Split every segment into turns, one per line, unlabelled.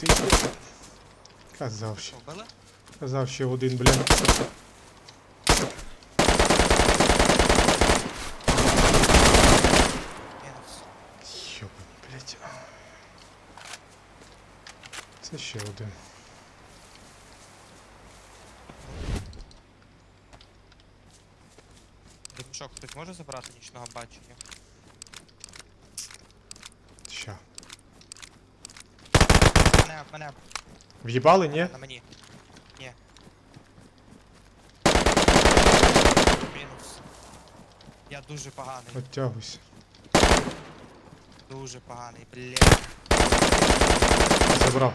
ти. Казав ще.
Вбили?
Казав ще один, блядь.
Мінус.
Йоба, блядь. Це ще один.
Димшок хтось може забрати нічного бачення?
Ща.
Мене.
В'їбали, ні?
На мені. Ні. Мінус. Я дуже поганий.
Оттягуйся.
Дуже поганий, блядь.
Забрав.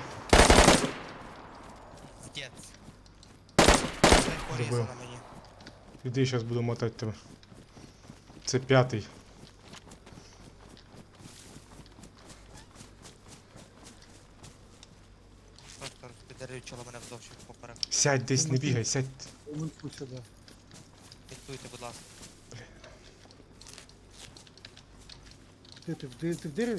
Вдець. Це порізано
Добив.
мені.
Іди, зараз буду мотати тебе. Це п'ятий.
Просто розпідарючило мене вдовж поперек.
Сядь десь, не бігай, сядь.
Уминку сюди.
Диктуйте, будь ласка.
Ти в дереві?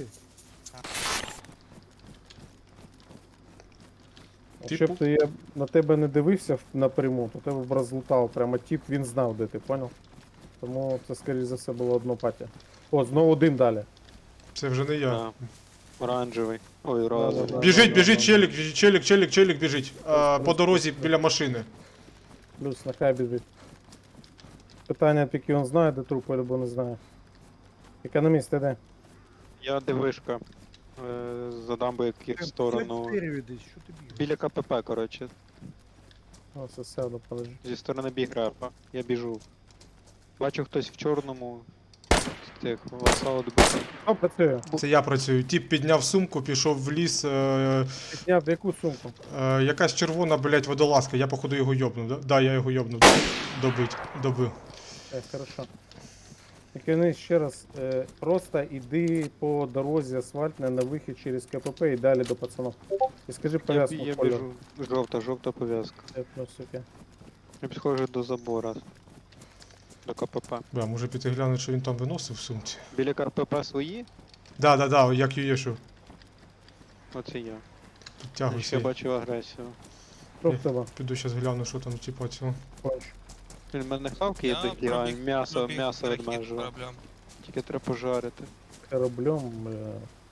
Якщо б я на тебе не дивився напряму, то тебе б розлутав прямо тіп, він знав, де ти, поняв? Тому це, скоріш за все, було одно патя. О, знову один далі.
Це вже не я.
Да. Оранжевий. Ой, розовий.
Да.
Біжить, біжить, челік біжить. По дорозі біля машини.
Плюс на хай біжить. Питання тільки він знає, де труп, або не знає. Економіст, ти де?
Я дивишка. За дамбою в сторону.
В дереві десь, що ти бігаєш?
Біля КПП, коротше.
О, все сяду, подожди.
Зі сторони біграпа. Я біжу. Бачу хтось в чорному. З тих васаут бив.
О, працює.
Це я працюю. Тіп підняв сумку, пішов в ліс.
Підняв в яку сумку?
Якась червона, блядь, водолазка. Я походу його йобнув, да? Да, я його йобнув. Добив.
Хорошо. Економіст, ще раз. Просто йди по дорозі асфальтній на вихід через КПП і далі до пацанов. І скажи пов'язку
Я
кольору.
біжу. Жовта пов'язка.
Плюс, окей.
Я підходжу до забора. До КПП.
Бля, може піти глянути, що він там виносив в сумці.
Біля КПП свої?
Да, як юєшу.
Оце я. Я
Підтягуйся.
ще бачу агресію.
Що в тебе?
Піду зараз гляну, що там, типа, цього.
Конч.
Він мене хавки
Я
йдуть, а
пробіг
м'ясо
перехід
відмежує.
кораблем.
Тільки треба пожарити.
Кораблем, бля.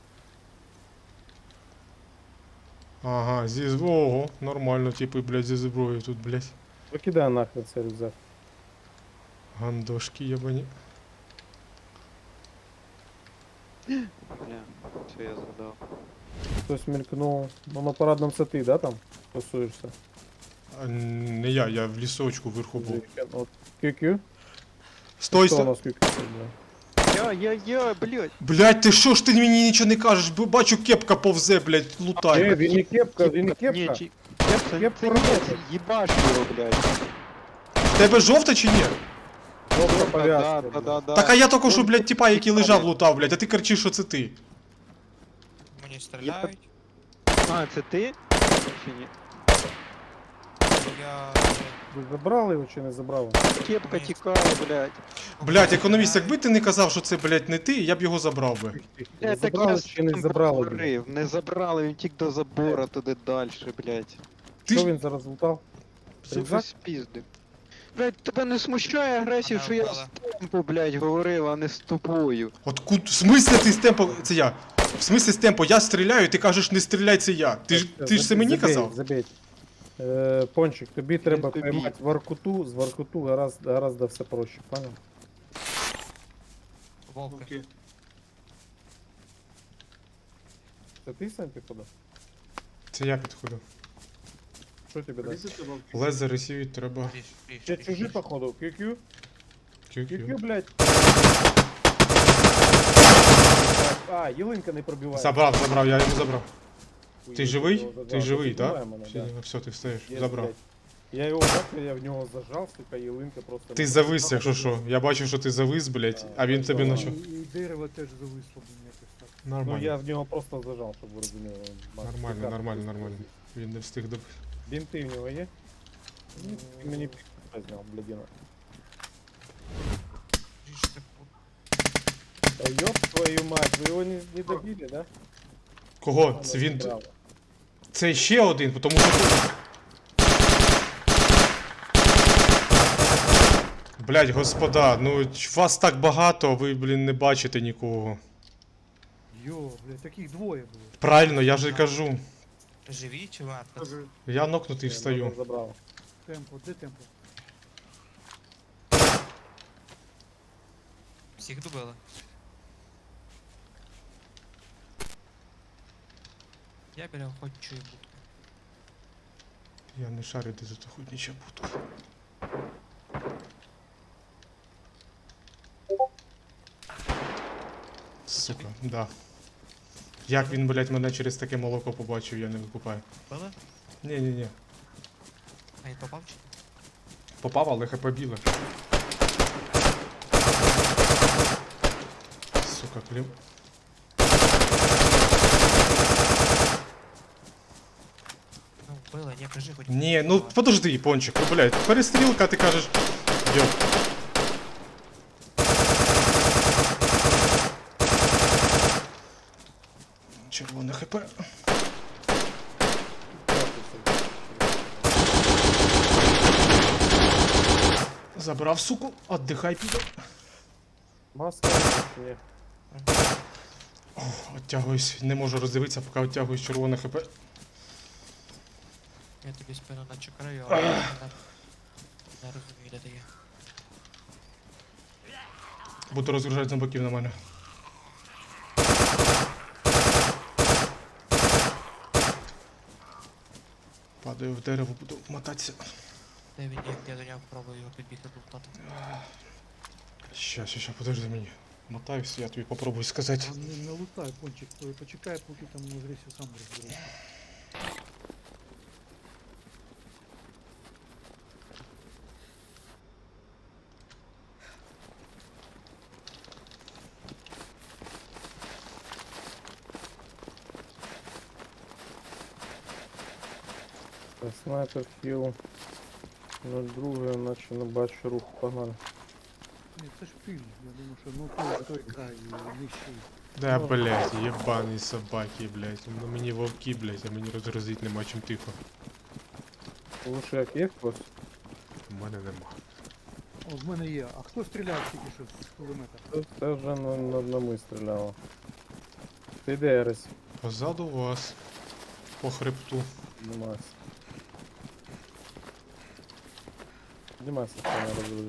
Ага, ого, нормально, типу, блядь, зі зброєю тут, блядь.
Викидай нахрен цей рюкзак.
Гандошки єбані.
Бля, все я згадав.
Хтось мелькнув. Ну на парадному це ти, да, там? Тусуєшся?
А, не я в лісочку вверху був.
От QQ?
Стой,
Хто у
стой!
нас QQ, бля?
Я, блядь.
Блядь, ти що ж ти мені нічого не кажеш? Бачу, кепка повзе, блядь, лутай.
Він не кепка, він не
Ні,
кепка.
чи...
Кепка
Це
робота.
їбаш його, блядь.
В тебе жовта чи ні?
Жовта
Да,
пов'язка.
да,
бля.
да, да.
Так а я тільки що, блядь, типа, який лежав, лутав, блядь, а ти кричиш, що це ти.
Мені стріляють.
А, це ти? Чи ні?
Я...
Ви забрали його чи не забрали?
Кепка тікає, блядь.
Блядь, економіст, якби ти не казав, що це, блядь, не ти, я б його забрав би.
Ви забрали чи не забрали? бля?
Говорив, не забрали, він тік до забора туди далі, блядь.
Ти
Що
ж-
він зараз лутав?
Все
Рюкзак?
спіздив. Блядь, тебе не смущає агресію,
Мене
що я
вбили.
з темпу, блядь, говорив, а не з тобою.
От в смислі ти з темпо. Це я. В смислі з темпо, я стріляю, ти кажеш, не стріляй, це я. Ти ж це мені казав?
Забей. Пончик, тобі треба
тобі.
поймати Воркуту, з Воркуту гораздо все проще, понял?
Вовки.
Це ти сам підходив?
Це я підходив.
Що тобі дасть?
Лезер ресівіть треба.
Ще чужі походу, QQ? QQ, блядь. А, ялинка не пробиває.
Забрав, я його забрав.
Хуй,
Ти
я
живий?
його забрав.
Ти живий,
Піднімає
так?
мене, да.
Все, ти встаєш,
Є,
забрав.
блядь. Я його бачив, я в нього зажав, сука, ялинка просто...
Ти завис, якщо що. Я бачив, що ти завис, блядь, а він тобі наче.
І дерево теж зависло, блін, якось так.
Ну я
Нормально.
в нього просто зажав, щоб ви розуміли.
Нормально. Він не встиг добити.
Бінти в нього є? Ні, ти мені пі***а зняв, блядіна. Та ёб твою мать, ви його не добили, да?
Кого? Це він.
Справа.
Це ще один, тому що... Блять, господа, ну вас так багато, а ви, блін, не бачите нікого.
Йо, блядь, таких двоє було.
Правильно, я ж і кажу.
Живі чи варто?
Каже,
Я нокнутий
Я
встаю.
забрав.
темпо, де темпо?
Всіх добили. Я біля охотничої будки.
Я не шарю, де тут охотнича будка. Сука, да. Як він, блять, мене через таке молоко побачив, я не викупаю.
Били?
Ні-ні-ні.
А він попав чи? ні?
Попав, але хп біле. Сука, клів.
Ну, били, ні, кажи хоч.
Ні, ну подожди, пончик, ну блять, перестрілка, ти кажеш. Йо. Червоне хп. Забрав, суку, отдихай, піде.
Маска? Ні.
Оттягуюсь, не можу роздивитися, поки оттягуюсь червоне хп.
Я тобі спину начекаю, але я не розумію, де ти є.
Буду розгружати зомбаків на мене. Падаю в дерево, буду мотатися.
Де він є, я до нього пробую його підбігти лутати.
Щас, подожди мені. Мотаюсь, я тобі попробую сказати.
А не лутай, пончик, почекай, поки там Гресі сам розбереться.
Снайпер хіл. 02, наче не бачу руху, погнали.
Ні, це ж пиль, я думаю, що ну той край нижчий.
Да, блять, єбані собаки, блять. Ну мені вовки, блять, а мені розгрузить нема чим тихо.
Лучше як є хтось.
У мене нема.
О, в мене є. А хто стріляв тільки що з кулемета?
Це вже на ми стріляло. Ти де, Ерес?
Позаду вас. По хребту.
Піднімайся. Піднімайся, що не розумію.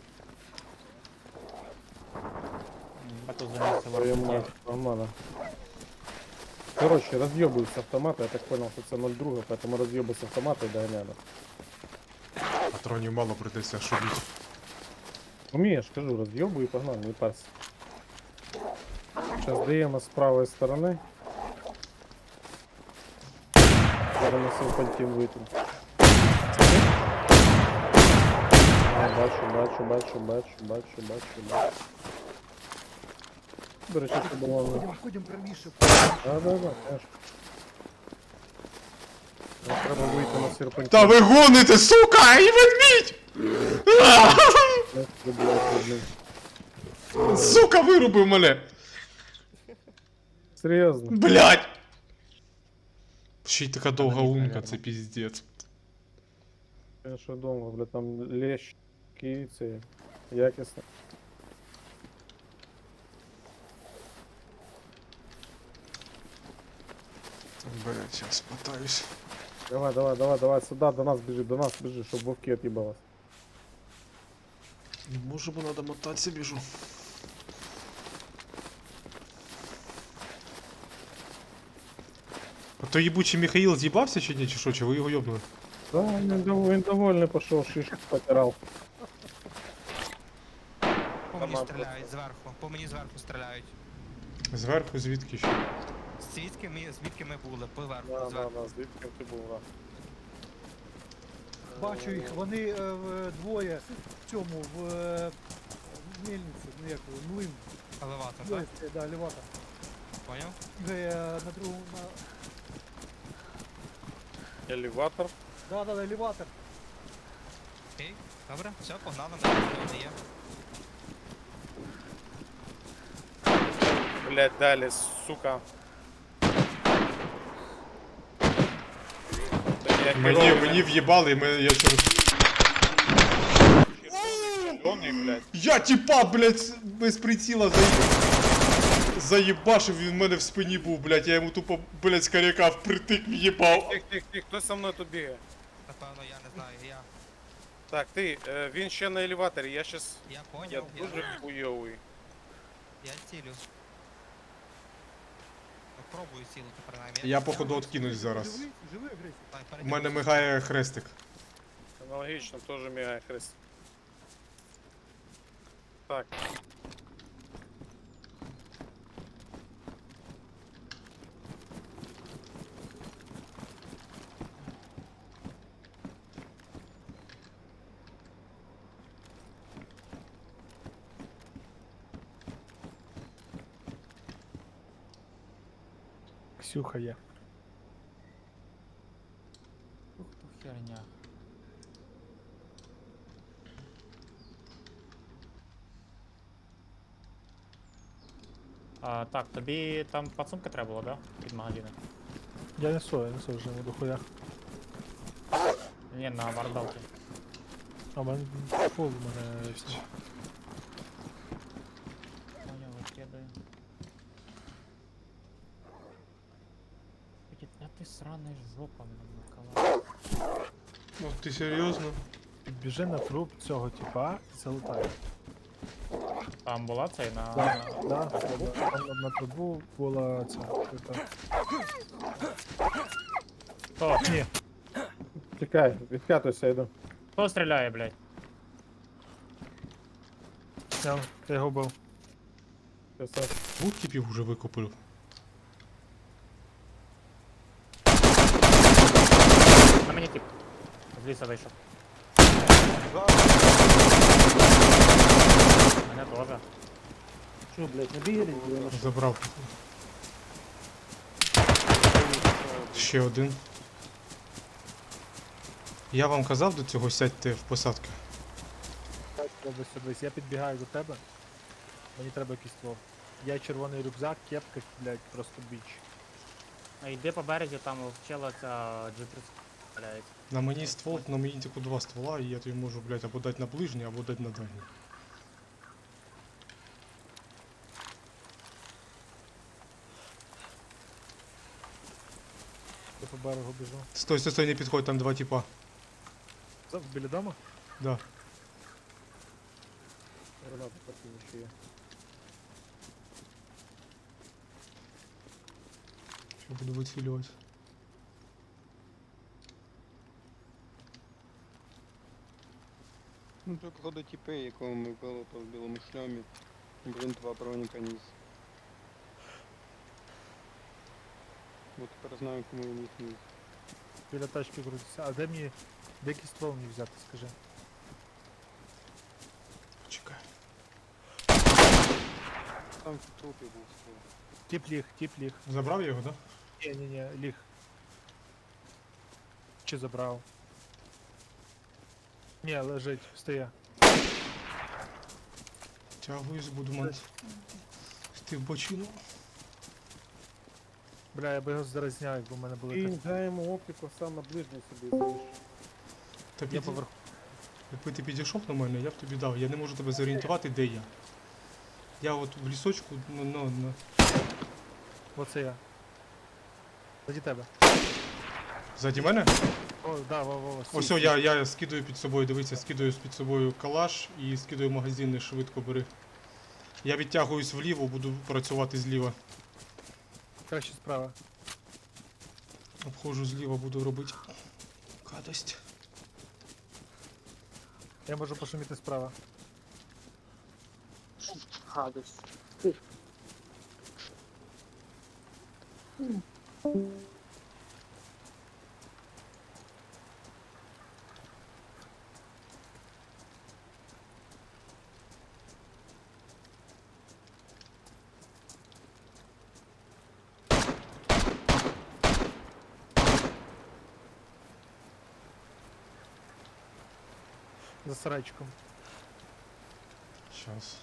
Твою нормально. Короче, разъебываю с автомата, я так понял, что это 0,2, поэтому разъебываю с автомата и догоняю.
Патронів мало придеться шубіть.
Умеешь, скажу, разъебываю и погнал, не парься. Сейчас даем с правой стороны. Переносил пальтин вытянул. Бачу. До речі, це було...
Ходім правіше.
Да, конечно. Нам треба вийти на серпантин.
Та ви гоните, сука, і ведмідь! Сука, вирубив мене!
Серйозно?
Блять! Ще й така довга лунка, це піздець.
Я що думав, бля, там лещ, київці, якісно.
Блять, сейчас мотаюсь.
Давай, сюда, до нас біжи, щоб вовки от'їбалась.
Не можу, бо надо мотатися, біжу. А то єбучий Михаїл з'їбався чи ні, чи що, чи ви його йобнули?
Да, він довольний пішов, шишку потирав.
По мені стріляють зверху, по мені зверху стріляють.
Зверху, звідки ще?
Звідки ми були, поверху,
Да,
зверху.
звідки ти був, да.
Бачу їх, вони двоє в цьому, в мельниці, ну як, млин.
Елеватор,
Двоє,
так?
да, елеватор.
Поняв?
На другому,
Елеватор.
да, елеватор.
Окей, добре, все, погнали, ми є.
Блять, далі, сука.
Мені в'їбали, я через... Я тіпа, блядь, без приціла заєбашив, він в мене в спині був, блядь, я йому тупо, блядь, з коряка впритик в'їбав.
Тих, хтось за мною тут бігає.
Напевно, я не знаю, я.
Так, ти, він ще на елеваторі, я щас...
Я
Я
поняв,
дуже хуйовий.
я цілю. Ну, пробую цілити, принаймні.
Я походу откинусь зараз.
Живий, живий агресія.
Давай,
У
перейди.
мене мигає хрестик.
Аналогічно, теж мігає хрест. Так.
Ксюха є.
Ух, то херня.
Так, тобі там пацунка треба було, да? Під магазини.
Я несу вже на дохуях.
Ні, на мордалки.
А в мене фул, у мене все.
Понял, викидаю. А ти сраний жопа накала.
Ну ти серйозно?
Біжи на труп цього типа і залутає.
Там була цей на...
Да, там на трубу була ця.
Хто?
Ні,
Тікай, відкатуйся, йду.
Хто стріляє, блядь?
я його вбив.
Красавчик.
Двох типів уже викупив.
На мені тип. З ліса вийшов. Мене теж.
Що, блядь, не бігали?
Забрав. Ще один. Я вам казав до цього сядьте в посадки.
Дивись, я підбігаю до тебе. Мені треба якийсь ствол. Я червоний рюкзак, кепка, блядь, просто біч.
Йди по березі, там вчила ця G30 валяється.
На мені ствол, на мені тільки два ствола, і я тобі можу, блядь, або дати на ближній, або дати на дальній.
Я по берегу біжу.
Стой, не підходь, там два типа.
Біля дому?
Да.
Гранату покину ще є.
Що буду вицілювати.
Ну це походу тіпи, якого ми вбили по білому шльомі. Блін, два броніка ніс. Ну тепер знаю, кому він їх ніс.
Біля тачки крутиться. А де мені... Де якийсь ствол мені взяти, скажи.
Чекай.
Там в трупі був ствол.
Тіп ліг.
Забрав його, да?
Ні, ліг. Чи забрав? Ні, лежить, встає.
Тягуюсь, буду мати. Ти в бочину.
Бля, я би його зараз зняв, якби в мене були
І
так.
дай йому оптику сам на ближній собі залиш.
Та
Я
піди-
поверху.
Якби ти підійшов до мене, я б тобі дав. Я не можу тебе зорієнтувати, де я. Я от в лісочку, ну.
Оце я. Заді тебе.
Ззаді мене?
О, да, во.
Ось я скидаю під собою, дивіться, скидаю під собою калаш і скидаю магазини, швидко бери. Я відтягуюсь вліво, буду працювати зліва.
Краще справа.
Обходжу зліва, буду робити гадость.
Я можу пошуміти справа. За сарайчиком.
Щас.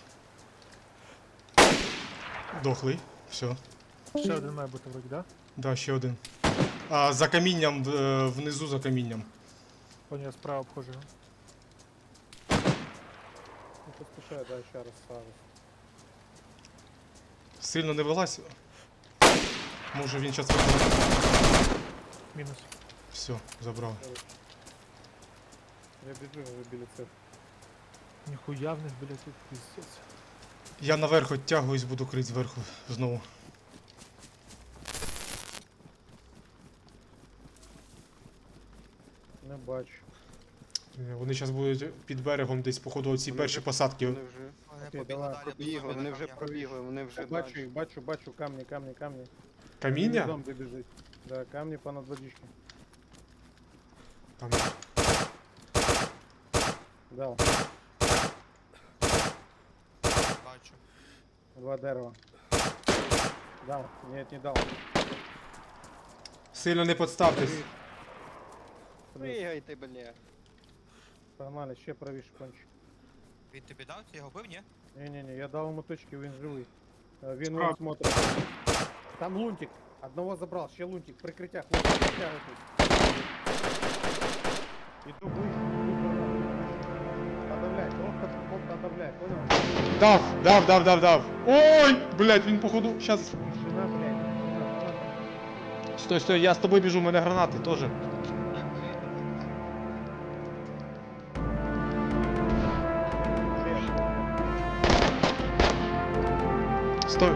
Дохлий. Все.
Ще один має бути вроді, да?
Да, ще один. За камінням, внизу за камінням.
Понял, я справа обхожу.
Не поспішай, да, ще раз ставиш.
Сильно не вилазь. Може він зараз виходить.
Мінус.
Все, забрав.
Я біжу вже біля цих.
Ніхуя в них, блядь, тут пиздец.
Я наверх оттягуюсь, буду крити зверху знову.
Не бачу.
Вони зараз будуть під берегом десь, походу, оці перші посадки.
Вони вже
Вони
Окей,
побігли
давай,
далі.
побігли,
до
вони вже
камня.
пробігли, вони вже
Бачу
далі.
їх, бачу, камні.
Каміння?
Дом де біжить. Да, камні понад водички.
Там.
Дал.
Бачу.
2 дерева. Дал. Нет, не дал.
Сильно не подставтесь.
Пригайте, бля.
Погнали, ще правіше кончик.
Він тобі дав? Ти його бив, ні?
Не-не-не, я дал ему точки, він живий. Він
Справа.
вон смотрит. Там лунтик. Одного забрал, ще лунтик. Прикриття, хлопці, притягуйтесь. Иду ближче, иду гранату. Подавляй, просто подавляй, понял?
Дав. Ой, блядь, він походу. Щас.
Тишина, блядь. Граната.
Стой, я з тобою біжу, у мене гранати теж. Стой.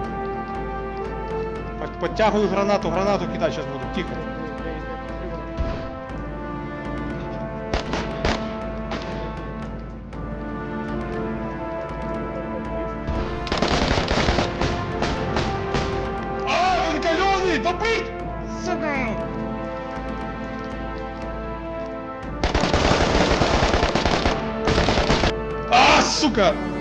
Подтягую гранату кидай сейчас буду. Тихо. А, він кальоний! Добить! Сука! А, сука!